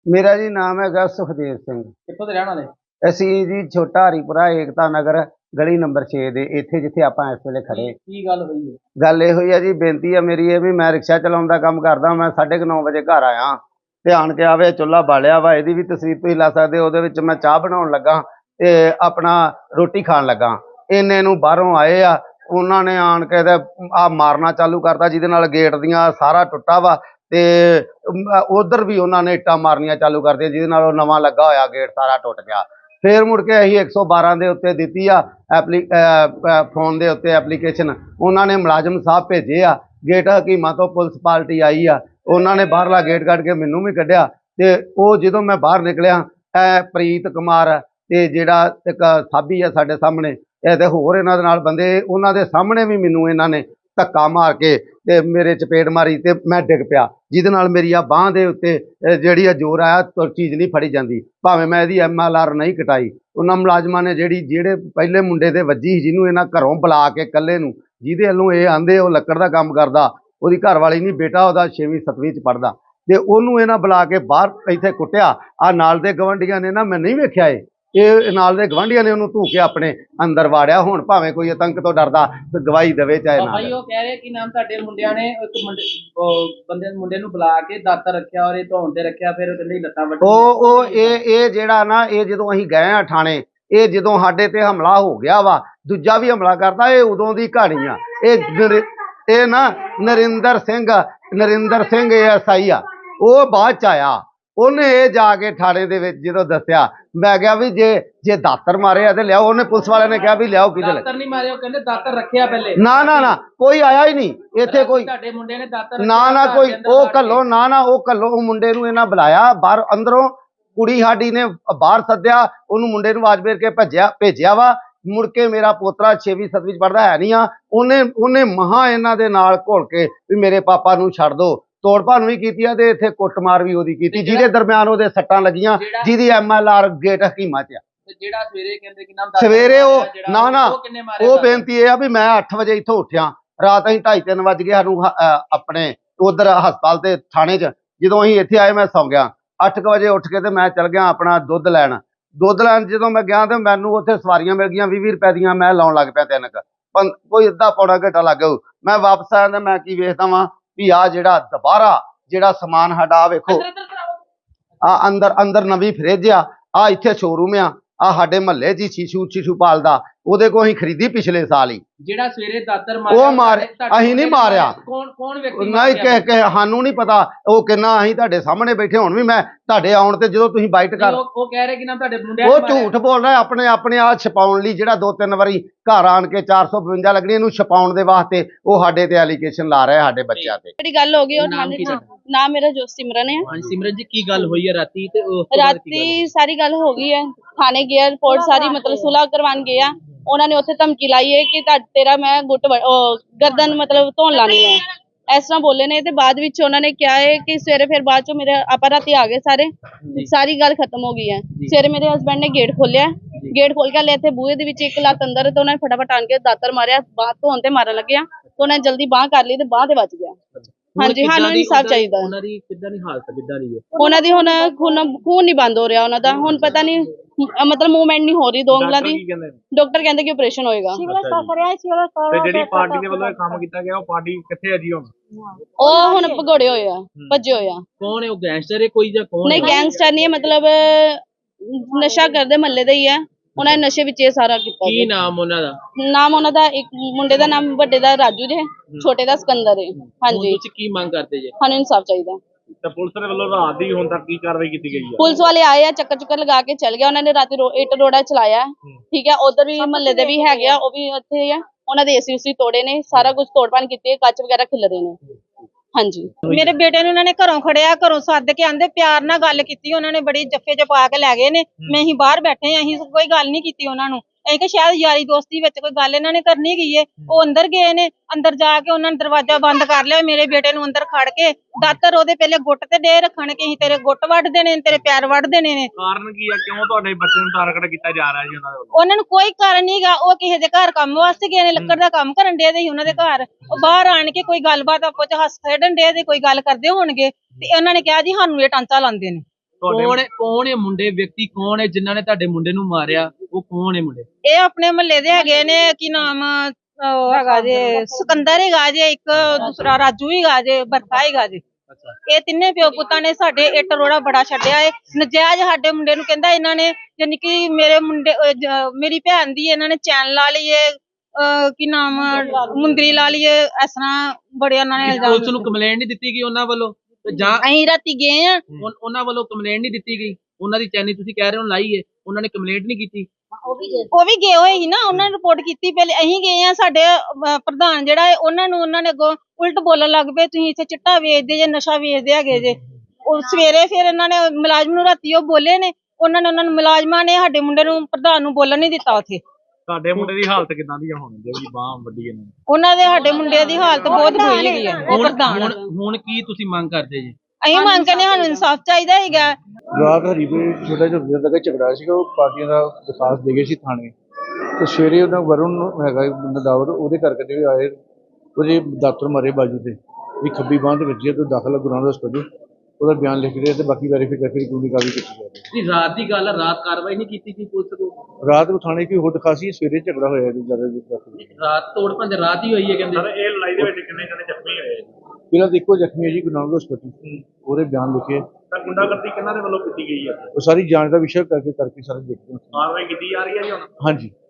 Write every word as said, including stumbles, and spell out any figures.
मेरा जी नाम है सुखदेव सिंह। कित्थों दे रहण वाले? ਅਸੀਂ ਜੀ ਛੋਟਾ ਹਰੀਪੁਰਾ ਏਕਤਾ ਨਗਰ ਗਲੀ ਨੰਬਰ ਛੇ ਦੇ ਇੱਥੇ ਜਿੱਥੇ ਆਪਾਂ ਇਸ ਵੇਲੇ ਖੜੇ। ਕੀ ਕੀ ਗੱਲ ਹੋਈ ਹੈ? ਗੱਲ ਇਹ ਹੋਈ ਹੈ ਜੀ, ਬੇਨਤੀ ਹੈ ਮੇਰੀ ਇਹ ਵੀ ਮੈਂ ਰਿਕਸ਼ਾ ਚਲਾਉਣ ਦਾ ਕੰਮ ਕਰਦਾ। ਮੈਂ ਸਾਢੇ ਕੁ ਨੌ ਵਜੇ ਘਰ ਆਇਆ ਤੇ ਆਣ ਕੇ ਆਵੇ ਚੁੱਲ੍ਹਾ ਬਾਲਿਆ ਵਾ, ਇਹਦੀ ਵੀ ਤਸਵੀਰ ਤੁਸੀਂ ਲਾ ਸਕਦੇ ਹੋ। ਉਹਦੇ ਵਿੱਚ ਮੈਂ ਚਾਹ ਬਣਾਉਣ ਲੱਗਾ ਤੇ ਆਪਣਾ ਰੋਟੀ ਖਾਣ ਲੱਗਾ। ਇੰਨੇ ਨੂੰ ਬਾਹਰੋਂ ਆਏ ਆ, ਉਹਨਾਂ ਨੇ ਆਣ ਕੇ ਤੇ ਆ ਮਾਰਨਾ ਚਾਲੂ ਕਰਤਾ, ਜਿਹਦੇ ਨਾਲ ਗੇਟ ਦੀਆਂ ਸਾਰਾ ਟੁੱਟਾ ਵਾ ਤੇ ਉਧਰ ਵੀ ਉਹਨਾਂ ਨੇ ਇੱਟਾਂ ਮਾਰਨੀਆਂ ਚਾਲੂ ਕਰਤੀਆਂ, ਜਿਹਦੇ ਨਾਲ ਉਹ ਨਵਾਂ ਲੱਗਾ ਹੋਇਆ ਗੇਟ ਸਾਰਾ ਟੁੱਟ ਗਿਆ। ਫਿਰ ਮੁੜ ਕੇ ਅਸੀਂ ਇੱਕ ਸੌ ਬਾਰਾਂ ਦੇ ਉੱਤੇ ਦਿੱਤੀ ਆ ਐਪਲੀ ਫੋਨ ਦੇ ਉੱਤੇ ਐਪਲੀਕੇਸ਼ਨ। ਉਹਨਾਂ ਨੇ ਮੁਲਾਜ਼ਮ ਸਾਹਿਬ ਭੇਜੇ ਆ, ਗੇਟ ਹਕੀਮਾਂ ਤੋਂ ਪੁਲਿਸ ਪਾਰਟੀ ਆਈ ਆ, ਉਹਨਾਂ ਨੇ ਬਾਹਰਲਾ ਗੇਟ ਕੱਢ ਕੇ ਮੈਨੂੰ ਵੀ ਕੱਢਿਆ। ਤੇ ਉਹ ਜਦੋਂ ਮੈਂ ਬਾਹਰ ਨਿਕਲਿਆ, ਇਹ ਪ੍ਰੀਤ ਕੁਮਾਰ ਤੇ ਜਿਹੜਾ ਇੱਕ ਸਾਬੀ ਆ ਸਾਡੇ ਸਾਹਮਣੇ, ਇਹ ਤੇ ਹੋਰ ਇਹਨਾਂ ਦੇ ਨਾਲ ਬੰਦੇ, ਉਹਨਾਂ ਦੇ ਸਾਹਮਣੇ ਵੀ ਮੈਨੂੰ ਇਹਨਾਂ ਨੇ ਧੱਕਾ ਮਾਰ ਕੇ ਤੇ ਮੇਰੇ ਚਪੇੜ ਮਾਰੀ ਤੇ ਮੈਂ ਡਿੱਗ ਪਿਆ, ਜਿਹਦੇ ਨਾਲ ਮੇਰੀ ਆ ਬਾਂਹ ਦੇ ਉੱਤੇ ਜਿਹੜੀ ਆ ਜ਼ੋਰ ਆਇਆ, ਤੁਰ ਚੀਜ਼ ਨਹੀਂ ਫੜੀ ਜਾਂਦੀ। ਭਾਵੇਂ ਮੈਂ ਇਹਦੀ ਐਮ ਐਲ ਆਰ ਨਹੀਂ ਕਟਾਈ, ਉਹਨਾਂ ਮੁਲਾਜ਼ਮਾਂ ਨੇ ਜਿਹੜੀ ਜਿਹੜੇ ਪਹਿਲੇ ਮੁੰਡੇ ਦੇ ਵੱਜੀ, ਜਿਹਨੂੰ ਇਹਨਾਂ ਘਰੋਂ ਬੁਲਾ ਕੇ ਇਕੱਲੇ ਨੂੰ, ਜਿਹਦੇ ਵੱਲੋਂ ਇਹ ਆਂਦੇ ਉਹ ਲੱਕੜ ਦਾ ਕੰਮ ਕਰਦਾ, ਉਹਦੀ ਘਰ ਵਾਲੀ ਨਹੀਂ, ਬੇਟਾ ਉਹਦਾ ਛੇਵੀਂ ਸੱਤਵੀਂ 'ਚ ਪੜ੍ਹਦਾ, ਤੇ ਉਹਨੂੰ ਇਹਨਾਂ ਬੁਲਾ ਕੇ ਬਾਹਰ ਇੱਥੇ ਕੁੱਟਿਆ। ਆ ਨਾਲ ਦੇ ਗਵਾਂਢੀਆਂ ਨੇ ਨਾ, ਮੈਂ ਨਹੀਂ ਵੇਖਿਆ ਇਹ ਇਹ ਨਾਲ ਦੇ ਗਵਾਂਢੀਆਂ ਨੇ ਉਹਨੂੰ ਧੂ ਕੇ ਆਪਣੇ ਅੰਦਰ ਵਾੜਿਆ। ਹੁਣ ਭਾਵੇਂ ਕੋਈ ਆਤੰਕ ਤੋਂ ਡਰਦਾ ਤੇ ਗਵਾਹੀ ਦੇਵੇ ਚਾਹੇ ਨਾ। ਭਾਈ ਉਹ ਕਹਿ ਰਹੇ ਕਿ ਨਾਮ ਤੁਹਾਡੇ ਮੁੰਡਿਆਂ ਨੇ ਇੱਕ ਮੁੰਡੇ ਬੰਦੇ ਮੁੰਡੇ ਨੂੰ ਬੁਲਾ ਕੇ ਦਾਤਰ ਰੱਖਿਆ ਔਰ ਇਹ ਧੌਣ ਤੇ ਰੱਖਿਆ, ਫਿਰ ਕਹਿੰਦੇ ਲੱਤਾਂ ਵੱਢੀਆਂ। ਉਹ ਉਹ ਇਹ ਇਹ ਜਿਹੜਾ ਨਾ, ਇਹ ਜਦੋਂ ਅਸੀਂ ਗਏ ਆ ਥਾਣੇ, ਇਹ ਜਦੋਂ ਸਾਡੇ ਤੇ ਹਮਲਾ ਹੋ ਗਿਆ ਵਾ, ਦੂਜਾ ਵੀ ਹਮਲਾ ਕਰਦਾ, ਇਹ ਉਦੋਂ ਦੀ ਕਹਾਣੀ ਆ। ਇਹ ਇਹ ਨਾ ਨਰਿੰਦਰ ਸਿੰਘ ਨਰਿੰਦਰ ਸਿੰਘ ਐਸ ਆਈ ਆ, ਉਹ ਬਾਅਦ ਚ ਆਇਆ। ਉਹਨੇ ਇਹ ਜਾ ਕੇ ਥਾਣੇ ਦੇ ਵਿੱਚ ਜਦੋਂ ਦੱਸਿਆ, ਮੈਂ ਕਿਹਾ ਵੀ ਜੇ ਜੇ ਦਾਤਰ ਮਾਰੇ ਆ ਤੇ ਲਿਆਓ। ਉਹਨੇ ਪੁਲਿਸ ਵਾਲਿਆਂ ਨੇ ਕਿਹਾ ਵੀ ਲਿਆਓ, ਕਿਹਦੇ ਦਾਤਰ ਨਹੀਂ ਮਾਰੇ, ਉਹ ਕਹਿੰਦੇ ਦਾਤਰ ਰੱਖਿਆ ਪਹਿਲੇ। ਨਾ ਨਾ ਨਾ, ਕੋਈ ਆਇਆ ਹੀ ਨਹੀਂ ਇੱਥੇ, ਕੋਈ ਤੁਹਾਡੇ ਮੁੰਡੇ ਨੇ ਦਾਤਰ ਨਾ ਨਾ ਕੋਈ ਉਹ ਘੱਲੋ ਨਾ ਨਾ ਉਹ ਘੱਲੋ। ਉਹ ਮੁੰਡੇ ਨੂੰ ਇਹਨਾਂ ਬੁਲਾਇਆ ਬਾਹਰ, ਅੰਦਰੋਂ ਕੁੜੀ ਸਾਡੀ ਨੇ ਬਾਹਰ ਸੱਦਿਆ, ਉਹਨੂੰ ਮੁੰਡੇ ਨੂੰ ਆਵਾਜ਼ ਮਾਰ ਕੇ ਭੱਜਿਆ ਭੇਜਿਆ ਵਾ। ਮੁੜ ਕੇ ਮੇਰਾ ਪੋਤਰਾ ਛੇਵੀਂ ਸੱਤਵੀਂ 'ਚ ਪੜ੍ਹਦਾ ਹੈ ਨਹੀਂ ਆ, ਉਹਨੇ ਉਹਨੇ ਮਹਾਂ ਇਹਨਾਂ ਦੇ ਨਾਲ ਘੁਲ ਕੇ ਵੀ ਮੇਰੇ ਪਾਪਾ ਨੂੰ ਛੱਡ ਦੋ, ਤੋੜ ਭੰਨ ਵੀ ਕੀਤੀ ਆ ਤੇ ਇੱਥੇ ਕੁੱਟਮਾਰ ਵੀ ਉਹਦੀ ਕੀਤੀ, ਜਿਹਦੇ ਦਰਮਿਆਨ ਉਹਦੇ ਸੱਟਾਂ ਲੱਗੀਆਂ, ਜਿਹਦੀ M L R gate Hakiman 'ਚ ਆ। ਜਿਹੜਾ ਸਵੇਰੇ ਕਹਿੰਦੇ ਕਿ ਨਾਮ ਸਵੇਰੇ ਉਹ ਨਾ ਨਾ ਉਹ ਬੇਨਤੀ ਇਹ ਆ ਵੀ ਮੈਂ ਅੱਠ ਵਜੇ ਇੱਥੋਂ ਉੱਠਿਆ, ਰਾਤ ਅਸੀਂ ਢਾਈ ਤਿੰਨ ਵੱਜ ਗਏ ਸਾਨੂੰ ਆਪਣੇ ਉਧਰ ਹਸਪਤਾਲ ਤੇ ਥਾਣੇ 'ਚ। ਜਦੋਂ ਅਸੀਂ ਇੱਥੇ ਆਏ ਮੈਂ ਸੌਂ ਗਿਆ। ਅੱਠ ਕੁ ਵਜੇ ਉੱਠ ਕੇ ਤੇ ਮੈਂ ਚੱਲ ਗਿਆ ਆਪਣਾ ਦੁੱਧ ਲੈਣ। ਦੁੱਧ ਲੈਣ ਜਦੋਂ ਮੈਂ ਗਿਆ ਤੇ ਮੈਨੂੰ ਉੱਥੇ ਸਵਾਰੀਆਂ ਮਿਲ ਗਈਆਂ ਵੀਹ ਵੀਹ ਰੁਪਏ ਦੀਆਂ। ਮੈਂ ਲਾਉਣ ਲੱਗ ਪਿਆ ਤਿੰਨ ਕੁ, ਕੋਈ ਅੱਧਾ ਪੌਣਾ ਘੰਟਾ ਲੱਗ ਗਿਆ। ਮੈਂ ਵਾਪਸ ਆਇਆ ਤੇ ਮੈਂ ਕੀ ਵੇਖਦਾ ਵਾਂ ਵੀ ਆ ਜਿਹੜਾ ਦੁਬਾਰਾ ਜਿਹੜਾ ਸਮਾਨ ਸਾਡਾ, ਵੇਖੋ ਆ ਅੰਦਰ ਅੰਦਰ ਨਵੀਂ ਫਰਿੱਜ ਆ, ਆ ਇੱਥੇ ਸ਼ੋਰੂਮ ਆ, ਆ ਸਾਡੇ ਮਹੱਲੇ 'ਚ ਸ਼ੀਸ਼ੂ ਸ਼ੀਸ਼ੂ ਪਾਲਦਾ, ਉਹਦੇ ਕੋਲ ਅਸੀਂ ਖਰੀਦੀ ਪਿਛਲੇ ਸਾਲ ਹੀ। ਜਿਹੜਾ ਸਵੇਰੇ ਦਾਤਰ ਮਾਰਿਆ ਉਹ ਮਾਰੇ, ਅਸੀਂ ਨਹੀਂ ਮਾਰਿਆ। ਕੌਣ ਕੌਣ ਵਿਅਕਤੀ ਨਹੀਂ ਕਿ ਸਾਨੂੰ ਨਹੀਂ ਪਤਾ, ਉਹ ਕਿੰਨਾ ਅਸੀਂ ਤੁਹਾਡੇ ਸਾਹਮਣੇ ਬੈਠੇ। ਹੁਣ ਵੀ ਮੈਂ ਤੁਹਾਡੇ ਆਉਣ ਤੇ ਜਦੋਂ ਤੁਸੀਂ ਬਾਈਟ ਕਰ, ਉਹ ਕਹਿ ਰਹੇ ਕਿ ਨਾ ਤੁਹਾਡੇ ਮੁੰਡੇ ਉਹ ਝੂਠ ਬੋਲ ਰਿਹਾ ਆਪਣੇ ਆਪਣੇ ਆ ਛਪਾਉਣ ਲਈ। ਜਿਹੜਾ ਦੋ ਤਿੰਨ ਵਾਰੀ ਘਰ ਆਣ ਕੇ ਚਾਰ ਸੌ ਬਵੰਜਾ ਲੱਗਣੀ, ਇਹਨੂੰ ਛਪਾਉਣ ਦੇ ਵਾਸਤੇ ਉਹ ਸਾਡੇ ਤੇ ਐਲੀਗੇਸ਼ਨ ਲਾ ਰਿਹਾ ਸਾਡੇ ਬੱਚਿਆਂ ਤੇ। ਜਿਹੜੀ ਗੱਲ ਹੋ ਗਈ ਉਹ ਥਾਣੇ ਚ, ਨਾਮ ਮੇਰਾ ਜੋ ਸਿਮਰਨ ਹੈ। ਹਾਂ ਸਿਮਰਨ ਜੀ, ਕੀ ਗੱਲ ਹੋਈ ਹੈ ਰਾਤੀ? ਤੇ ਰਾਤੀ ਸਾਰੀ ਗੱਲ ਹੋ ਗਈ ਹੈ, ਥਾਣੇ ਗਿਆ, ਰਿਪੋਰਟ ਸਾਰੀ ਮਤਲਬ ਸੁਲਹ ਕਰਵਾਉਣ ਗਿਆ। ਉਹਨਾਂ ਨੇ ਉੱਥੇ ਧਮਕੀ ਲਾਈ ਹੈ ਕਿ ਤੇਰਾ ਮੈਂ ਗੁੱਟ ਗਰਦਨ ਮਤਲਬ ਧੋਣ ਲਾਣੀ ਹੈ, ਇਸ ਤਰ੍ਹਾਂ ਬੋਲੇ ਨੇ। ਤੇ ਬਾਅਦ ਵਿੱਚ ਉਹਨਾਂ ਨੇ ਕਿਹਾ ਹੈ ਕਿ ਸਵੇਰੇ ਫਿਰ ਬਾਅਦ ਚੋਂ ਮੇਰੇ ਆਪਾਂ ਰਾਤੀ ਆ ਗਏ ਸਾਰੇ, ਸਾਰੀ ਗੱਲ ਖਤਮ ਹੋ ਗਈ ਹੈ। ਸਵੇਰੇ ਮੇਰੇ ਹਸਬੈਂਡ ਨੇ ਗੇਟ ਖੋਲਿਆ, ਗੇਟ ਖੋਲ ਕੇ ਲੈ ਇੱਥੇ ਬੂਹੇ ਦੇ ਵਿੱਚ ਇੱਕ ਲੱਤ ਅੰਦਰ, ਤੇ ਉਹਨਾਂ ਨੇ ਫਟਾਫਟ ਆਣ ਕੇ ਦਾਤਰ ਮਾਰਿਆ, ਬਾਹ ਧੋਣ ਤੇ ਮਾਰਨ ਲੱਗਿਆ, ਤੇ ਉਹਨਾਂ ਨੇ ਜਲਦੀ ਬਾਹ ਕਰ ਲਈ ਤੇ ਬਾਹ ਤੇ ਵੱਜ ਗਿਆ। ਹਾਂਜੀ, ਸਾਨੂੰ ਇਨਸਾਫ ਚਾਹੀਦਾ। ਉਹਨਾਂ ਦੀ ਕਿੱਦਾਂ ਦੀ ਹਾਲਤ ਕਿੱਦਾਂ ਦੀ ਹੈ? ਉਹਨਾਂ ਦੀ ਹੁਣ ਖੂਨ ਖੂਨ ਨਹੀਂ ਬੰਦ ਹੋ ਰਿਹਾ ਉਹਨਾਂ ਦਾ, ਹੁਣ ਪਤਾ ਨਹੀਂ ਮਤਲਬ ਮੂਵਮੈਂਟ ਨਹੀਂ ਹੋ ਰਹੀ ਦੋ ਉਂਗਲਾਂ ਦੀ। ਡਾਕਟਰ ਕਹਿੰਦੇ ਕਿ ਆਪਰੇਸ਼ਨ ਹੋਏਗਾ। ਤੇ ਜਿਹੜੀ ਪਾਰਟੀ ਦੇ ਵੱਲੋਂ ਕੰਮ ਕੀਤਾ ਗਿਆ, ਉਹ ਪਾਰਟੀ ਕਿੱਥੇ ਹੈ ਜੀ ਹੁਣ? ਉਹ ਹੁਣ ਭਗੌੜੇ ਹੋਏ ਆ, ਭੱਜੇ ਹੋਏ ਆ। ਕੌਣ ਹੈ ਉਹ? ਗੈਂਗਸਟਰ ਹੈ ਕੋਈ ਜਾਂ ਕੌਣ? ਨਹੀਂ, ਗੈਂਗਸਟਰ ਨਹੀਂ ਹੈ, ਮਤਲਬ ਨਸ਼ਾ ਕਰਦੇ ਮਹੱਲੇ ਦੇ ਹੀ ਆ। ਉਹਨਾਂ ਨੇ ਨਸ਼ੇ ਵਿੱਚ ਇਹ ਸਾਰਾ ਕੀਤਾ। ਕੀ ਨਾਮ ਉਹਨਾਂ ਦਾ? ਨਾਮ ਉਹਨਾਂ ਦਾ, ਇੱਕ ਮੁੰਡੇ ਦਾ ਨਾਮ ਵੱਡੇ ਦਾ ਰਾਜੂ ਜੇ, ਛੋਟੇ ਦਾ ਸਿਕੰਦਰ ਹੈ। ਹਾਂਜੀ, ਤੁਸੀਂ ਕੀ ਮੰਗ ਕਰਦੇ ਜੇ? ਸਾਨੂੰ ਇਨਸਾਫ ਚਾਹੀਦਾ। ਤੇ ਪੁਲਿਸ ਦੇ ਵੱਲੋਂ ਰਾਤ ਦੀ ਹੁਣ ਤੱਕ ਕੀ ਕਾਰਵਾਈ ਕੀਤੀ ਗਈ ਹੈ? ਪੁਲਿਸ ਵਾਲੇ ਆਏ ਆ, ਚੱਕਰ ਚੁੱਕਰ ਲਗਾ ਕੇ ਚਲ ਗਿਆ। ਉਹਨਾਂ ਨੇ ਰਾਤੀ ਇੱਟ ਰੋੜਾ ਚਲਾਇਆ, ਠੀਕ ਹੈ। ਉਧਰ ਵੀ ਮਹੱਲੇ ਦੇ ਵੀ ਹੈਗੇ ਆ, ਉਹ ਵੀ ਉੱਥੇ ਹੀ ਆ। ਉਹਨਾਂ ਦੇ ਏਸੀ ਉਸੀ ਤੋੜੇ ਨੇ, ਸਾਰਾ ਕੁਝ ਤੋੜ ਭੰਨ ਕੀਤੀ ਹੈ, ਕੱਚ ਵਗੈਰਾ ਖਿਲਰੇ ਨੇ। ਹਾਂਜੀ, ਮੇਰੇ ਬੇਟੇ ਨੂੰ ਉਹਨਾਂ ਨੇ ਘਰੋਂ ਖੜਿਆ, ਘਰੋਂ ਸੱਦ ਕੇ ਆਂਦੇ, ਪਿਆਰ ਨਾਲ ਗੱਲ ਕੀਤੀ। ਉਹਨਾਂ ਨੇ ਬੜੀ ਜੱਫੇ ਚ ਪਾ ਕੇ ਲੈ ਗਏ ਨੇ। ਮੈਂ ਅਸੀਂ ਬਾਹਰ ਬੈਠੇ ਆਂ, ਅਸੀਂ ਕੋਈ ਗੱਲ ਨਹੀਂ ਕੀਤੀ ਉਹਨਾਂ ਨੂੰ। ਅਸੀਂ ਕਿ ਸ਼ਾਇਦ ਯਾਰੀ ਦੋਸਤੀ ਵਿੱਚ ਕੋਈ ਗੱਲ ਇਹਨਾਂ ਨੇ ਕਰਨੀ ਗਈ ਏ। ਉਹ ਅੰਦਰ ਗਏ ਨੇ, ਅੰਦਰ ਜਾ ਕੇ ਉਹਨਾਂ ਨੇ ਦਰਵਾਜ਼ਾ ਬੰਦ ਕਰ ਲਿਆ। ਮੇਰੇ ਬੇਟੇ ਨੂੰ ਅੰਦਰ ਖੜ ਕੇ ਦਾਤਰ ਉਹਦੇ ਪਹਿਲੇ ਗੁੱਟ ਤੇ ਦੇ ਰੱਖਣ ਕਿ ਅਸੀਂ ਤੇਰੇ ਗੁੱਟ ਵੱਢ ਦੇਣੇ, ਤੇਰੇ ਪੈਰ ਵੱਢ ਦੇਣੇ ਨੇ। ਕਾਰਨ ਕੀ ਆ, ਕਿਉਂ ਤੁਹਾਡੇ ਬੱਚੇ ਨੂੰ ਟਾਰਗੇਟ ਕੀਤਾ ਜਾ ਰਿਹਾ ਜੀ ਉਹਨਾਂ ਵੱਲੋਂ? ਉਹਨਾਂ ਨੂੰ ਕੋਈ ਕਾਰਨ ਨਹੀਂਗਾ, ਉਹ ਕਿਸੇ ਦੇ ਘਰ ਕੰਮ ਵਾਸਤੇ ਗਏ ਨੇ, ਲੱਕੜ ਦਾ ਕੰਮ ਕਰਨ ਡੇ ਦੇ ਉਹਨਾਂ ਦੇ ਘਰ। ਉਹ ਬਾਹਰ ਆਣ ਕੇ ਕੋਈ ਗੱਲਬਾਤ ਆਪੋ ਚ ਹੱਸ ਖੇਡਣ ਡੇ ਦੇ, ਕੋਈ ਗੱਲ ਕਰਦੇ ਹੋਣਗੇ, ਤੇ ਉਹਨਾਂ ਨੇ ਕਿਹਾ ਜੀ ਸਾਨੂੰ ਇਹ ਟਾਂਚਾ ਲਾਉਂਦੇ ਨੇ। ਤੁਹਾਡੇ ਕੌਣ ਹੈ ਕੌਣ ਇਹ ਮੁੰਡੇ ਵਿਅਕਤੀ ਕੌਣ ਹੈ ਜਿਨ੍ਹਾਂ ਨੇ ਤੁਹਾਡੇ ਮੁੰਡੇ ਨੂੰ ਮਾਰਿਆ? ਉਹ ਕੌਣ ਹੈ ਮੁੰਡੇ? ਇਹ ਆਪਣੇ ਮਹੱਲੇ ਦੇ ਹੈਗੇ ਨੇ, ਕੀ ਨਾਮ ਉਹ ਹੈਗਾ ਜੇ ਸਿਕੰਦਰ ਹੈਗਾ ਜੇ, ਇੱਕ ਦੂਸਰਾ ਰਾਜੂ ਹੈਗਾ ਜੇ, ਬਰਖਾ ਹੈਗਾ ਜੇ। ਅੱਛਾ, ਇਹ ਤਿੰਨੇ ਪਿਓ ਪੁੱਤਾਂ ਨੇ ਸਾਡੇ ਇੱਟ ਰੋੜਾ ਬੜਾ ਛੱਡਿਆ ਏ। ਨਜਾਇਜ਼ ਸਾਡੇ ਮੁੰਡੇ ਨੂੰ ਕਹਿੰਦਾ ਇਹਨਾਂ ਨੇ, ਯਾਨੀ ਕਿ ਮੇਰੇ ਮੁੰਡੇ ਅਹ ਜ- ਮੇਰੀ ਭੈਣ ਦੀ ਇਹਨਾਂ ਨੇ ਚੈਨ ਲਾ ਲਈ ਏ, ਅਹ ਕੀ ਨਾਮ ਮੁੰਦਰੀ ਲਾ ਲਈ ਏ, ਇਸ ਤਰ੍ਹਾਂ ਬੜੇ ਉਹਨਾਂ ਨੇ ਇਲਜ਼ਾਮ ਪੁਲਿਸ ਨੂੰ ਕੰਪਲੇਂਟ ਨਹੀਂ ਦਿੱਤੀ ਗਈ ਉਹਨਾਂ ਵੱਲੋਂ? ਤੇ ਜਾਂ ਅਸੀਂ ਰਾਤੀ ਗਏ ਆ, ਉਨ- ਉਹਨਾਂ ਵੱਲੋਂ ਕੰਪਲੇਂਟ ਨਹੀਂ ਦਿੱਤੀ ਗਈ? ਉਹਨਾਂ ਦੀ ਚੈਨੀ ਤੁਸੀਂ ਕਹਿ ਰਹੇ ਹੋ ਲਾਈ ਹੈ, ਉਹਨਾਂ ਨੇ ਕੰਪਲੇਂਟ ਨਹੀਂ ਕੀਤੀ? ਉਹ ਵੀ ਗਏ ਹੋਏ ਸੀ ਨਾ, ਉਹਨਾਂ ਨੇ ਰਿਪੋਰਟ ਕੀਤੀ ਪਹਿਲੇ। ਅਸੀਂ ਗਏ ਆ, ਸਾਡੇ ਅਹ, ਪ੍ਰਧਾਨ ਜਿਹੜਾ ਹੈ ਉਹਨਾਂ ਨੂੰ ਉਹਨਾਂ ਨੇ ਅੱਗੋਂ ਉਲਟ ਬੋਲਣ ਲੱਗ ਪਏ, ਤੁਸੀਂ ਇੱਥੇ ਚਿੱਟਾ ਵੇਚਦੇ ਜੇ, ਨਸ਼ਾ ਵੇਚਦੇ ਹੈਗੇ ਜੇ। ਉਹ ਸਵੇਰੇ ਫਿਰ ਇਹਨਾਂ ਨੇ ਮੁਲਾਜ਼ਮ ਨੂੰ ਰਾਤੀ ਉਹ ਬੋਲੇ ਨੇ, ਉਹਨਾਂ ਨੇ ਉਹਨਾਂ ਨੂੰ ਮੁਲਾਜ਼ਮਾਂ ਨੇ ਸਾਡੇ ਮੁੰਡੇ ਨੂੰ ਪ੍ਰਧਾਨ ਨੂੰ ਬੋਲਣ ਨਹੀਂ ਦਿੱਤਾ ਉੱਥੇ। ਤੁਹਾਡੇ ਮੁੰਡੇ ਦੀ ਹਾਲਤ ਕਿਦਾਂ ਦੀ ਆ ਹੁਣ, ਜਿਹੜੀ ਬਾਹ ਵੱਡੀ ਇਹਨਾਂ ਨੇ? ਉਹਨਾਂ ਦੇ ਸਾਡੇ ਮੁੰਡੇ ਦੀ ਹਾਲਤ ਬਹੁਤ ਬੁਰੀ ਹੈਗੀ ਆ। ਉਹ ਹੁਣ ਪ੍ਰਧਾਨ ਹੁਣ ਹੁਣ ਕੀ ਤੁਸੀਂ ਮੰਗ ਕਰਦੇ ਜੀ? ਅਸੀਂ ਮੰਗ ਕਰਨੇ, ਸਾਨੂੰ ਇਨਸਾਫ ਚਾਹੀਦਾ ਹੈਗਾ। ਰਾਤ ਹਰੀਪੁਰ ਛੋਟਾ ਜਿਹਾ ਦਿਨ ਤੱਕ ਝਗੜਾ ਸੀਗਾ, ਉਹ ਪਾਰਟੀਆਂ ਦਾ ਦਰਖਾਸਤ ਦੇ ਗਏ ਸੀ ਥਾਣੇ। ਤੇ ਸਵੇਰੇ ਉਹਨਾਂ ਵਰੁਣ ਹੈਗਾ ਇੱਕ ਬੰਦਾ ਦਾਵਰ, ਉਹਦੇ ਕਰਕੇ ਜਿਹੜੇ ਆਏ, ਉਹਦੇ ਦਾਤਰ ਮਾਰੇ ਬਾਜੂ ਤੇ, ਵੀ ਖੱਬੀ ਬਾਂਹ ਤੇ ਵੱਜੀ ਹੈ, ਤੇ ਦਾਖਲ ਗੁਰਾਂ ਦਾ ਹਸਪਤਾਲ। ਉਹਦਾ ਬਿਆਨ ਲਿਖ ਰਹੇ ਤੇ ਬਾਕੀ ਵੈਰੀਫਾਈ ਕਰਕੇ ਕਾਨੂੰਨੀ ਕਾਰਵਾਈ ਕੀਤੀ ਜਾ ਰਹੀ ਨਹੀਂ, ਰਾਤ ਦੀ ਗੱਲ ਹੈ, ਰਾਤ ਕਾਰਵਾਈ ਨਹੀਂ ਕੀਤੀ ਗਈ ਪੁਲਿਸ ਕੋਲ? ਹੈ। ਰਾਤ ਨੂੰ ਥਾਣੇ ਕੀ ਹੋਰ ਦਿਖਾਸੀ, ਸਵੇਰੇ ਝਗੜਾ ਹੋਇਆ ਇਹਦੇ ਜ਼ਿਆਦਾ। ਰਾਤ ਤੋੜ ਭੰਜ ਰਾਤ ਹੀ ਹੋਈ ਹੈ ਕਹਿੰਦੇ। ਇਹ ਲੜਾਈ ਦੇ ਵਿੱਚ ਕਿੰਨੇ ਜਣੇ ਜ਼ਖਮੀ ਹੋਏ? ਫਿਲਹਾਲ ਦੇਖੋ ਜ਼ਖਮੀ ਹੈ ਜੀ ਗੁਰੂ ਨਾਨਕ ਹਸਪਤਾਲ, ਉਹਦੇ ਬਿਆਨ ਲਿਖੇ। ਤਾਂ ਗੁੰਡਾਗਰਦੀ ਕਿਹਨਾਂ ਦੇ ਵੱਲੋਂ ਕੀਤੀ ਗਈ ਹੈ? ਉਹ ਸਾਰੀ ਜਾਂਚ ਦਾ ਵਿਸ਼ਾ ਕਰਕੇ ਕਰਕੇ ਸਾਰੇ ਦੇਖਦੇ ਹਾਂ। ਕਾਰਵਾਈ ਕੀਤੀ ਜਾ ਰਹੀ ਹੈ ਜੀ ਹੁਣ? ਹਾਂਜੀ।